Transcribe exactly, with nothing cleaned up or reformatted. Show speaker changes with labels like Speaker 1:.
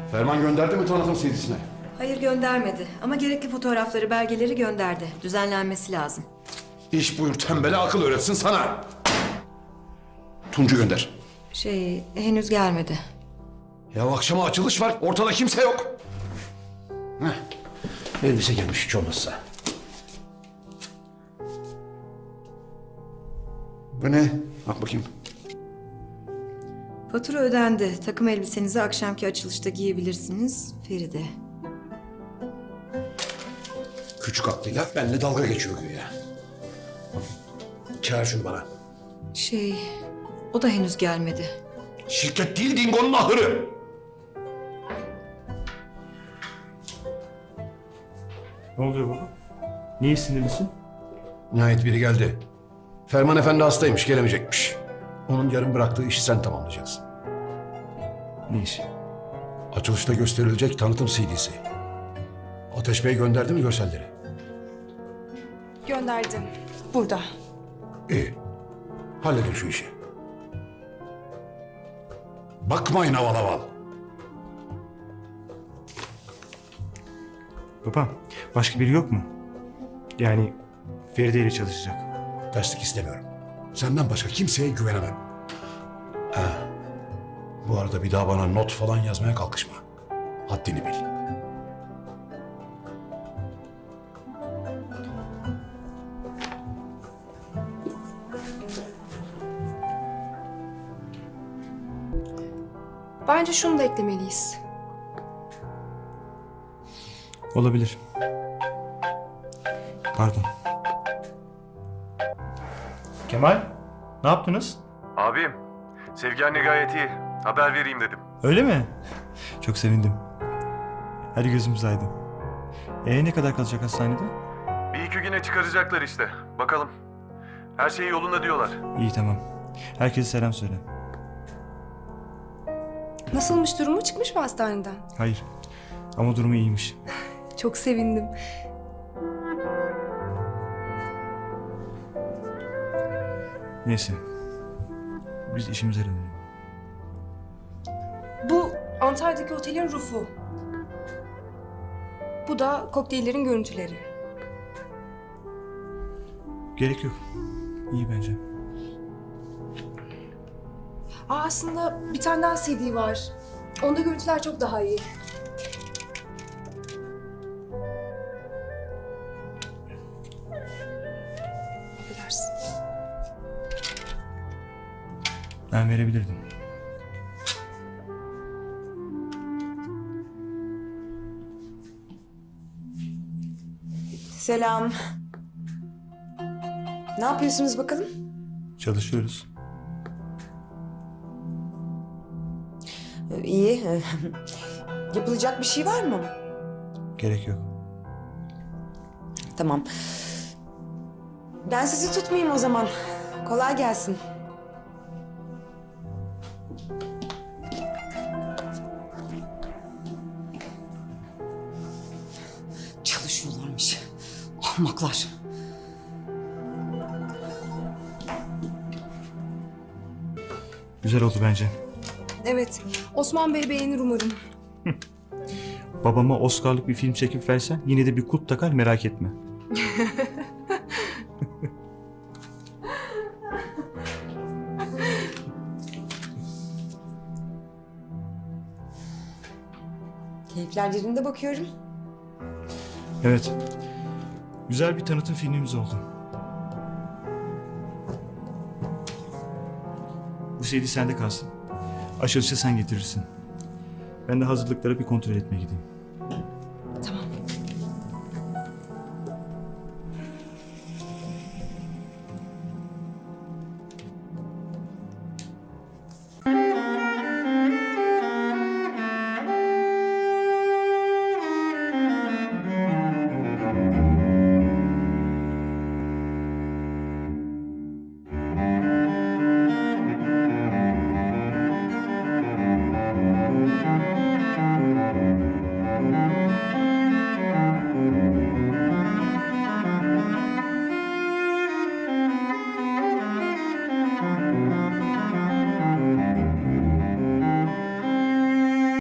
Speaker 1: Ferman gönderdi mi tanıtım C D'sine?
Speaker 2: Hayır göndermedi ama gerekli fotoğrafları, belgeleri gönderdi. Düzenlenmesi lazım.
Speaker 1: İş buyur tembele akıl öğretsin sana. Tuncu gönder.
Speaker 2: Şey henüz gelmedi.
Speaker 1: Ya akşama açılış var, ortada kimse yok. Heh. Elbise gelmiş hiç olmazsa. Bu ne? Bak bakayım.
Speaker 2: Fatura ödendi. Takım elbisenizi akşamki açılışta giyebilirsiniz. Feride.
Speaker 1: Küçük aklıyla benimle dalga geçiyor güya. Çağır şunu bana.
Speaker 2: Şey o da henüz gelmedi.
Speaker 1: Şirket değil Dingo'nun ahırı.
Speaker 3: Ne oluyor baba? Niye sinirlisin?
Speaker 1: Nihayet biri geldi. Ferman Efendi hastaymış, gelemeyecekmiş. Onun yarım bıraktığı işi sen tamamlayacaksın.
Speaker 3: Ne işi?
Speaker 1: Açılışta gösterilecek tanıtım C D'si. Ateş Bey gönderdi mi görselleri?
Speaker 4: Gönderdim. Burada.
Speaker 1: İyi. Halledin şu işi. Bakmayın aval aval.
Speaker 3: Baba, başka biri yok mu? Yani Feride ile çalışacak.
Speaker 1: Terslik istemiyorum. Senden başka kimseye güvenemem. Ha. Bu arada bir daha bana not falan yazmaya kalkışma. Haddini bil.
Speaker 4: Bence şunu da eklemeliyiz.
Speaker 3: Olabilir. Pardon. Kemal, ne yaptınız?
Speaker 5: Abim, Sevgi anne gayet iyi. Haber vereyim dedim.
Speaker 3: Öyle mi? Çok sevindim. Hadi gözümüz aydın. Ee ne kadar kalacak hastanede?
Speaker 5: Bir iki güne çıkaracaklar işte. Bakalım. Her şey yolunda diyorlar.
Speaker 3: İyi tamam. Herkese selam söyle.
Speaker 4: Nasılmış durumu? Çıkmış mı hastaneden?
Speaker 3: Hayır. Ama durumu iyiymiş.
Speaker 4: Çok sevindim.
Speaker 3: Neyse. Biz işimize dönelim.
Speaker 4: Bu Antalya'daki otelin rufu. Bu da kokteyllerin görüntüleri.
Speaker 3: Gerek yok. İyi bence.
Speaker 4: Aa, aslında bir tane daha C D var. Onda görüntüler çok daha iyi. Affedersin.
Speaker 3: Ben verebilirdim.
Speaker 6: Selam. Ne yapıyorsunuz bakalım?
Speaker 3: Çalışıyoruz.
Speaker 6: İyi. Yapılacak bir şey var mı?
Speaker 3: Gerek yok.
Speaker 6: Tamam. Ben sizi tutmayayım o zaman. Kolay gelsin. Çalışıyorlarmış. Ahmaklar.
Speaker 3: Güzel oldu bence.
Speaker 4: Evet. Osman Bey beğenir umarım.
Speaker 3: Babama Oscar'lık bir film çekip versen yine de bir kut takar, merak etme.
Speaker 6: Keyifler yerinde bakıyorum.
Speaker 3: Evet. Güzel bir tanıtım filmimiz oldu. Bu C D sende kalsın. Açılışa sen getirirsin. Ben de hazırlıklara bir kontrol etmeye gideyim.